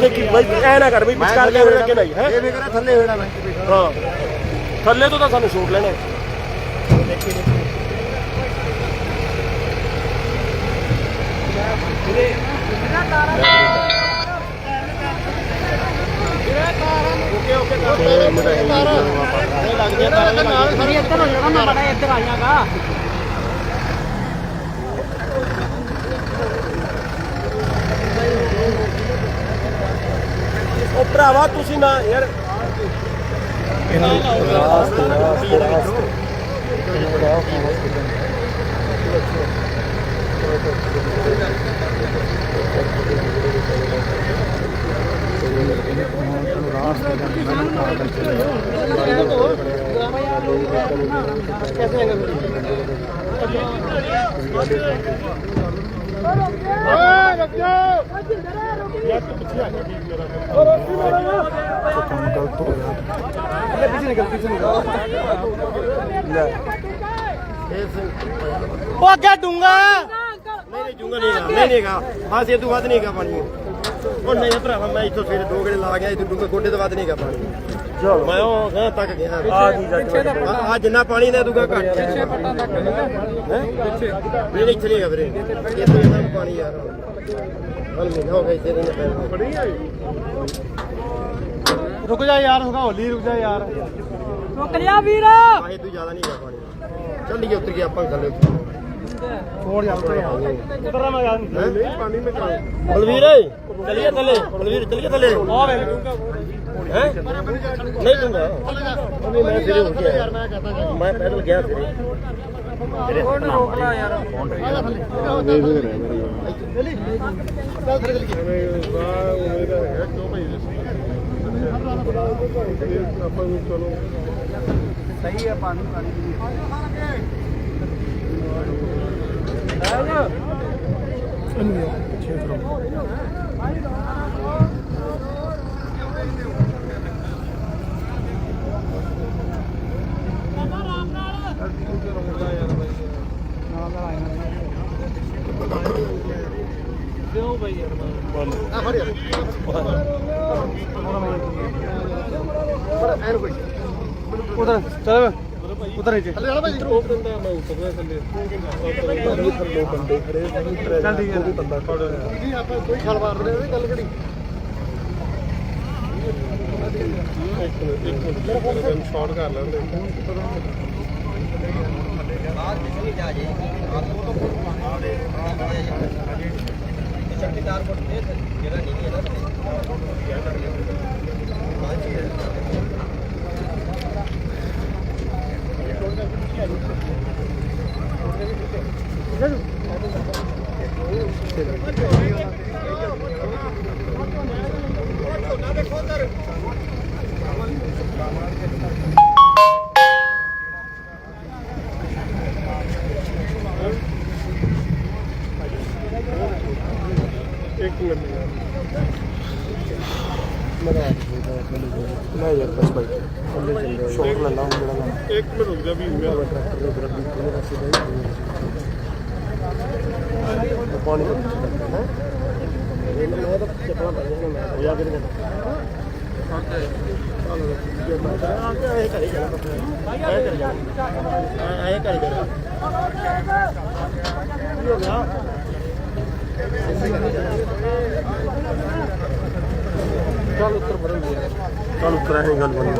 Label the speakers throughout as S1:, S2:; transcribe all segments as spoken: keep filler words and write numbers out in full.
S1: देखी भाई ऐ ना कर भाई विचकार कैमरे रखे नहीं है
S2: ਇਹ ਮੇਰਾ ਥੱਲੇ ਹੋਣਾ ਮੈਂ
S1: हाँ थल्ले तो सानू शूट लेने ओके ओके लग गया इधर हो जाएगा मैं बड़ा इधर आ जाएगा ओ भरावा तुसी ना यार रास्ते रास्ते रास्ते क्या दूंगा नहीं दूंगा नहीं नहीं बस ये तू वध नहीं पानी और नहीं भरावा मैं इतो फिर दो गड़े ला गया इतो गोडे तो वध नहीं पानी मैं वो तक गया आ जिन्ना पानी ने दूगा घट नहीं इथे नहीं फिर इतना पानी यार हो गया रुक जा यार होगा होली रुक जा यार रुक जा वीर तू ज्यादा नहीं कर पानी चल लिया उतर गया अपन थले छोड़ यार उतर रहा मैं नहीं पानी में चल बलवीर चलिए थले बलवीर चलिए थले हैं नहीं दूंगा अभी मैं फिर हो गया मैं पैदल गया फिर तेरे रोकना यार देख रहे हैं चली चल फिर चल के वाह उम्मीद है क्यों भाई अपन चलो सही है पानी पानी उधर चल उधर नीचे चल बंदा कोई छल मार रहे गल करी शॉट कर लेंगे एक मिनट नहीं यार बस भाई शॉट ले ला एक मिनट रुक जा भी हुआ पानी तो चपला पड़ जाएगा हो जा के चल उत्तर बदल चल उत्तर है गल बनी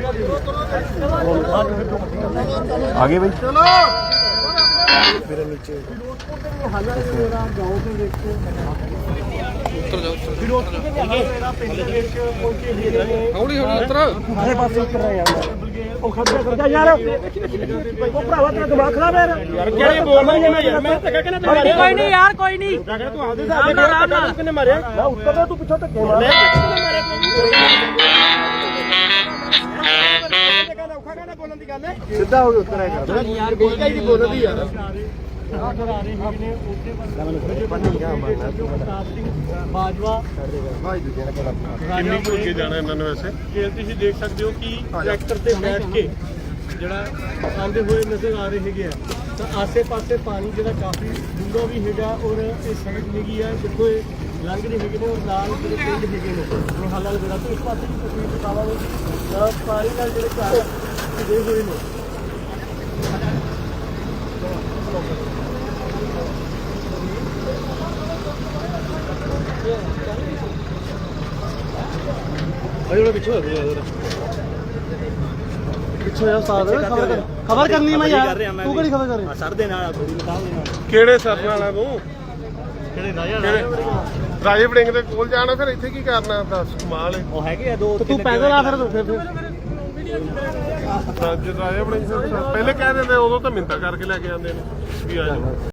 S1: आगे भाई चलो मेरे नीचे उत्तर जाओ हौली हौली उत्तर अरे पास उत्तर रहे यार ओ खड़ा कर जा यार ओ भरावा तेरा दिमाग खराब है यार क्या ये बोल रहा है यार मैं तो कहना कोई नहीं यार कोई नहीं तू आधे से आराम नाल किने मारे मैं उत्तर दे तू पीछे धक्के मार मैं किने मारे बोलन दी गल है सीधा हो उत्तर है यार कोई का ही बोल दी यार बाजवा किन्नी अगे जाना इन्होंने वैसे तुम देख सकते हो कि ट्रैक्टर से बैठ के जरा आते हुए नजर आ रहे है तो आसे पासे पानी जो काफ़ी डूंगा भी है और ये सड़क निगी है देखो ਰੰਗ ਦੇ ਹੈਗੇ ਨੇ ਉਹ ਨਾਲ ਜਿਹੜੇ ਪਿੰਡ ਹੈਗੇ ਨੇ ਉਹ ਹਾਲਾਂ ਜਿਹੜਾ ਤੇ ਇਸ ਪਾਸੇ ਦੀ ਤਸਵੀਰ ਦਿਖਾਵਾਂਗੇ ਸਾਰੀ ਨਾਲ ਜਿਹੜੇ ਘਰ ਦੇ ਹੋਏ ਨੇ अरे पीछे पीछे यार साथ खबर कर खबर करनी है मैं यार तू कड़ी खबर कर रही सर दे नाल थोड़ी बताओ दे नाल
S2: ਕਿਹੜੇ ਸਰ ਨਾਲ ਆ ਤੂੰ
S1: ਕਿਹੜੇ ਰਾਜਾ
S2: ਰਾਜੇ ਵੜਿੰਗ ਦੇ ਕੋਲ ਜਾਣਾ ਫਿਰ ਇੱਥੇ ਕੀ ਕਰਨਾ ਦੱਸ ਕਮਾਲ ਹੈ
S1: ਉਹ ਹੈਗੇ ਆ ਦੋ
S2: ਤੂੰ ਪੈਦਲ ਆ ਫਿਰ ਫਿਰ ਫਿਰ ਰਾਜੇ ਰਾਜੇ ਵੜਿੰਗ ਪਹਿਲੇ ਕਹਿ ਦਿੰਦੇ ਉਦੋਂ ਤਾਂ ਮਿੰਤਾ ਕਰਕੇ ਲੈ ਕੇ ਆਉਂਦੇ ਨੇ ਵੀ ਆ ਜਾਓ